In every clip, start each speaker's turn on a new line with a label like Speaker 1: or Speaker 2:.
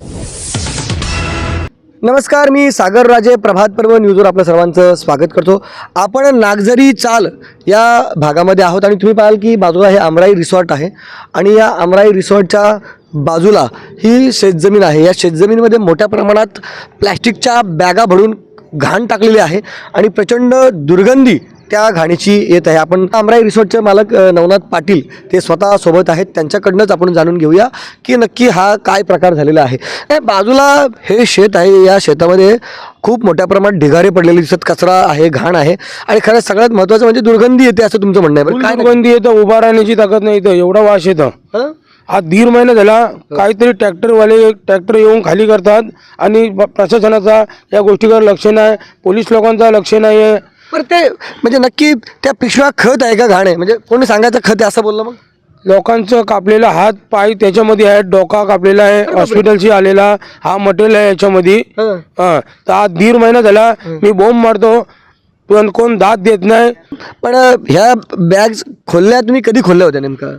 Speaker 1: नमस्कार, मी सागर राजे, प्रभात पर्व न्यूजवर आपलं सर्वांचं स्वागत करतो. आपण नागझरी चाल या भागामध्ये आहोत आणि तुम्ही पाहाल की बाजूला हे आमराई रिसॉर्ट आहे आणि या आमराई रिसॉर्टच्या बाजूला ही शेतजमीन आहे. या शेतजमीनीमध्ये मोठ्या प्रमाणात प्लॅस्टिकच्या बॅगा भरून घाण टाकलेली आहे आणि प्रचंड दुर्गंधी त्या घाणीची येत आहे. आपण आमराई रिसॉर्टचे मालक नवनाथ पाटील ते स्वतः सोबत आहेत, त्यांच्याकडनंच आपण जाणून घेऊया की नक्की हा काय प्रकार झालेला आहे. बाजूला हे शेत आहे, या शेतामध्ये खूप मोठ्या प्रमाणात ढिगारे पडलेले दिसत, कचरा आहे, घाण आहे आणि खरं सगळ्यात महत्त्वाचं म्हणजे दुर्गंधी येते असं तुमचं म्हणणं आहे.
Speaker 2: काय दुर्गंधी येतं, उभा राहण्याची ताकद नाही, इथं एवढा वास येतं. हा 1.5 महिना झाला, काहीतरी ट्रॅक्टर येऊन खाली करतात आणि प्रशासनाचा या गोष्टीकडे लक्ष नाही, पोलीस लोकांचा लक्ष नाही आहे.
Speaker 1: बरं, ते म्हणजे नक्की त्या पिशव्या खत आहे का घाण आहे? म्हणजे कोणी सांगायचं खत आहे असं बोललं? मग
Speaker 2: लोकांचं कापलेला हात पाय त्याच्यामध्ये आहे, डोका कापलेला आहे, हॉस्पिटलशी आलेला हा मटेरियल आहे याच्यामध्ये. तर हा 1.5 महिना झाला मी बोंब मारतो पण कोण दाद देत नाही.
Speaker 1: पण ह्या बॅग्स खोलल्या तुम्ही कधी खोलल्या होत्या नेमका?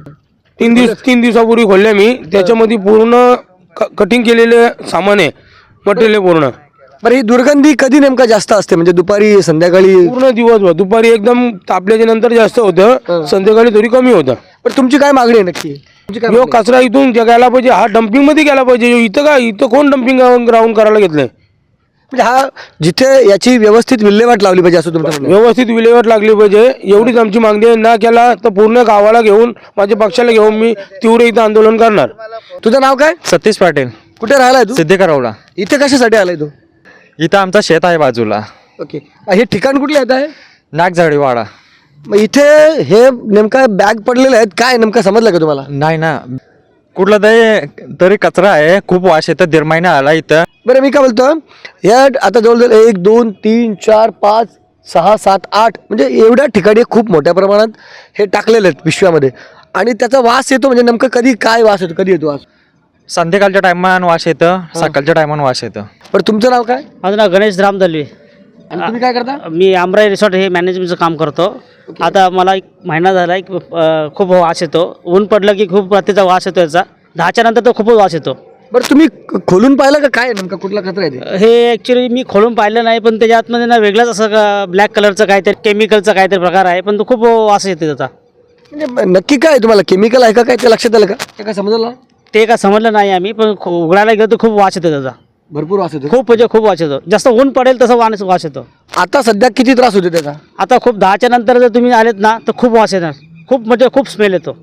Speaker 2: 3 दिवसापूर्वी खोलल्या मी. त्याच्यामध्ये पूर्ण कटिंग केलेले सामान आहे, मटेरियल पूर्ण.
Speaker 1: बरं, ही दुर्गंधी कधी नेमका जास्त असते? म्हणजे दुपारी, संध्याकाळी?
Speaker 2: पूर्ण दिवसभर. दुपारी एकदम तापल्याच्या नंतर जास्त होतं, संध्याकाळी थोडी कमी होतं.
Speaker 1: पण तुमची काय मागणी आहे नक्की? तुमची काय
Speaker 2: यो कचरा इथून गेला पाहिजे, हा डम्पिंग मध्ये गेला पाहिजे. इथं काय, इथं कोण डम्पिंग ग्राउंड करायला घेतलंय?
Speaker 1: म्हणजे हा जिथे याची व्यवस्थित विल्हेवाट लावली पाहिजे असं तुमचं म्हणणं आहे?
Speaker 2: व्यवस्थित विल्हेवाट लागली पाहिजे, एवढीच आमची मागणी आहे. ना केला तर पूर्ण गावाला घेऊन, माझ्या पक्षाला घेऊन मी तीव्र इथं आंदोलन करणार.
Speaker 1: तुझं नाव काय?
Speaker 3: सतीश पाटील.
Speaker 1: कुठे राहिलाय तू?
Speaker 3: सिद्धेकरवडा.
Speaker 1: इथे कशासाठी आलाय तू?
Speaker 3: इथं आमचा शेत आहे बाजूला,
Speaker 1: ओके. हे ठिकाण कुठलं येत आहे?
Speaker 3: नागझाडीवाडा.
Speaker 1: मग इथे हे नेमका बॅग पडलेले आहेत, काय नेमकं समजलं का तुम्हाला?
Speaker 3: नाही ना, कुठला तरी कचरा आहे, खूप वास येतं. 1.5 महिना आला इथं.
Speaker 1: बरं, मी काय बोलतो, या आता जवळजवळ 1 2 3 4 5 6 7 8 म्हणजे एवढ्या ठिकाणी खूप मोठ्या प्रमाणात हे टाकलेले आहेत पिशव्यामध्ये आणि त्याचा वास येतो. म्हणजे नेमकं कधी काय वास येतो, कधी येतो वास?
Speaker 3: संध्याकाळच्या टायमान वास येतं, सकाळच्या टायमान वास येतं.
Speaker 1: बरं, तुमचं नाव काय?
Speaker 4: माझं नाव गणेश राम दलवी.
Speaker 1: आणि तुम्ही काय करता?
Speaker 4: मी आमराई रिसॉर्ट हे मॅनेजमेंटचं काम करतो. आता मला 1 महिना झाला, खूप वास येतो. ऊन पडलं की खूप त्याचा वास येतो याचा. 10च्या नंतर तर खूपच वास येतो.
Speaker 1: बरं, तुम्ही खोलून पाहिलं का काय नेमका कुठला कचरा आहे ते?
Speaker 4: हे ॲक्च्युली मी खोलून पाहिलं नाही, पण त्याच्या आतमध्ये ना वेगळाच असं ब्लॅक कलरचं काहीतरी केमिकलचा काहीतरी प्रकार आहे, पण तो खूप वास येतो त्याचा.
Speaker 1: म्हणजे नक्की काय तुम्हाला केमिकल आहे का काय ते लक्षात आलं का? ते काय समजलं?
Speaker 4: ते काय समजलं नाही आम्ही, पण उघडायला गेलो तर खूप वास येतो त्याचा.
Speaker 1: भरपूर वास येतो.
Speaker 4: खूप म्हणजे खूप वास येतो. जास्त ऊन पडेल तसं वास येतो.
Speaker 1: आता सध्या किती त्रास होतो त्याचा?
Speaker 4: आता खूप 10च्या नंतर जर तुम्ही आलेत ना तर खूप वास येणार, खूप म्हणजे खूप स्मेल येतो.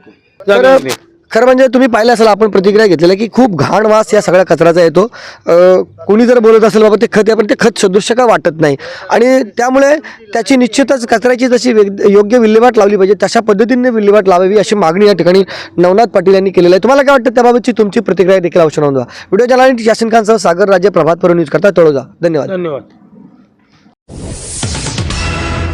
Speaker 1: तर खरं म्हणजे तुम्ही पाहिलं असेल, आपण प्रतिक्रिया घेतलेल्या की खूप घाण वास या सगळ्या कचऱ्याचा येतो. कोणी जर बोलत असेल बाबा ते खत आहे, पण ते खत सदृश्य का वाटत नाही आणि त्यामुळे त्याची निश्चितच कचऱ्याची जशी योग्य विल्हेवाट लावली पाहिजे तशा पद्धतीने विल्हेवाट लावावी अशी मागणी या ठिकाणी नवनाथ पाटील यांनी केलेली आहे. तुम्हाला काय वाटतं त्याबाबतची तुमची प्रतिक्रिया देखील अवश्य नोंदवा. व्हिडिओ जर्नलिस्ट यासिन खानसह सागर राजे, प्रभात पर्व न्यूज करता तळोजा. धन्यवाद.